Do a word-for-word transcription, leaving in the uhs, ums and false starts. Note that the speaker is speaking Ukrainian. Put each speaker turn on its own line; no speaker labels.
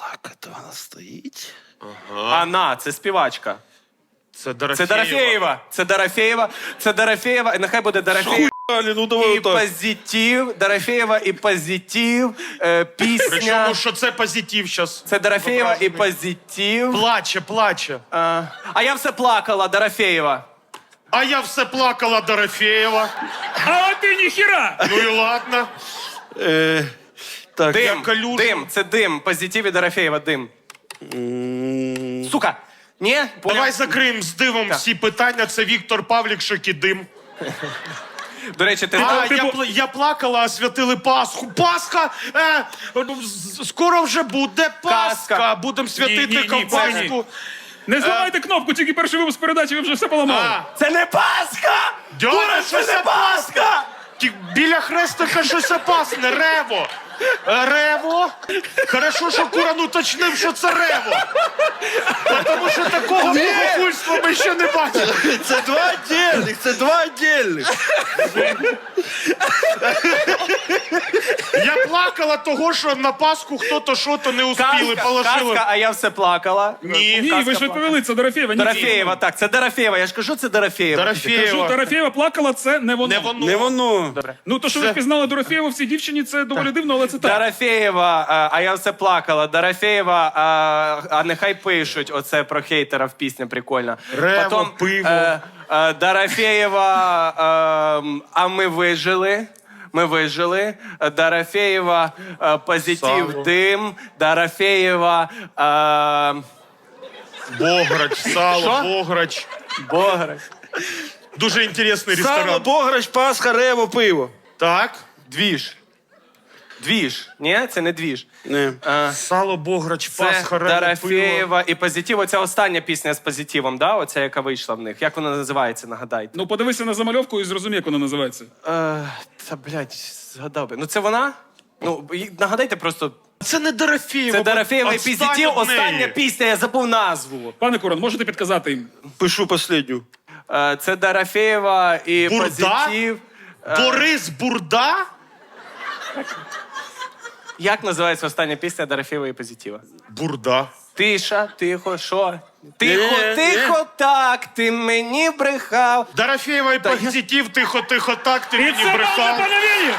Так, це вона стоїть.
Ана, це співачка.
Це Дорофєєва.
Це Дорофєєва. Це Дорофєєва. Це Дорофєєва. І нехай буде Дорофєєва.
Хуй, ну давай
І
отак.
позитив. Дорофєєва і позитив. Е, пісня.
Причому, що це позитив зараз.
Це Дорофєєва і позитив.
Плаче, плаче.
А, а я все плакала, Дорофєєва.
А я все плакала, Дорофєєва.
А ти ніхіра!
Ну і ладно.
Е, так,
Дим,
Я калюжу.
дим, це дим. Позитив і Дорофєєва, дим. Сука. Ні?
Давай закриємо з дивом всі питання. Це Віктор Павлік, і дим.
До речі, ти...
А,
типу-
я, пла- я плакала, а святили Пасху. Пасха! Е, з- скоро вже буде Пасха.
Казка.
Будемо святити
Ні, ні, ні,
ковбаску.
Не зламайте кнопку, тільки перший випуск передачі, ви вже все поламали.
А,
Це не Пасха!
Дьоня,
Дура,
що
це
це
не Пасха!
Ті- Біля хрестика щось опасне. Рево. Е, Рево. Хорошо, що Куран уточнив, що це Рево. Тому що такого богохульства ми ще не бачили.
це два отдельних, це два отдельних.
Я плакала того, що на Пасху хто-то що-то не успіли,
Казка,
положили.
казка, а я все плакала.
Ні.
Ні, ви ж відповіли, це Дорофєєва. Ні,
Дорофєєва, так, це Дорофєєва. Я ж кажу, це Дорофєєва.
Кажу,
Дорофєєва.
Дорофєєва плакала, це не воно.
Не воно.
Не воно.
Ну, то, що ви
Це-
впізнали Дорофєєву в цій дівчині, це доволі дивно, але це так.
Дорофєєва, а, а я все плакала. Дорофєєва, а, а нехай пишуть оце про хейтера в пісні, прикольно.
Рево,
Потім,
пиво.
Е, е, Дорофєєва, е, а ми вижили. Ми вижили. Дорофєєва, е, позитив,
Сало.
дим. Дорофєєва, е,
Бограч, сало,
Що?
Бограч.
Бограч.
Дуже інтересний
Сало,
ресторан.
Бограч, Пасха, Рево, пиво.
Так.
Двіж. Двіж. Ні, це не двіж.
Не.
Е,
Сало, Бограч,
Це
Пасха, Рево, пиво.
Дорофєєва і позитив. Оця остання пісня з позитивом, да? Оця, яка вийшла в них. Як вона називається, нагадайте.
Ну, подивися на замальовку і зрозумій, як вона називається.
Е, та, блядь, згадав би. Ну, це вона? Ну, і- нагадайте просто.
Це не Дорофєєва.
Це Дорофєєва і
Отстань
позитив.
від неї.
Остання пісня, я забув назву.
Пане Куран, можете підказати їм?
Пишу последню.
Е, це Дорофєєва і
Бурда?
позитив.
Борис Бурда?
Як називається остання пісня Дорофєєва і позитива?
Бурда.
Тиша, тихо, що? Тихо,
Ні,
тихо, так, ти мені брехав.
Дорофєєва і позитив, тихо, тихо, так, ти
І
мені
це
брехав.
пане Віні!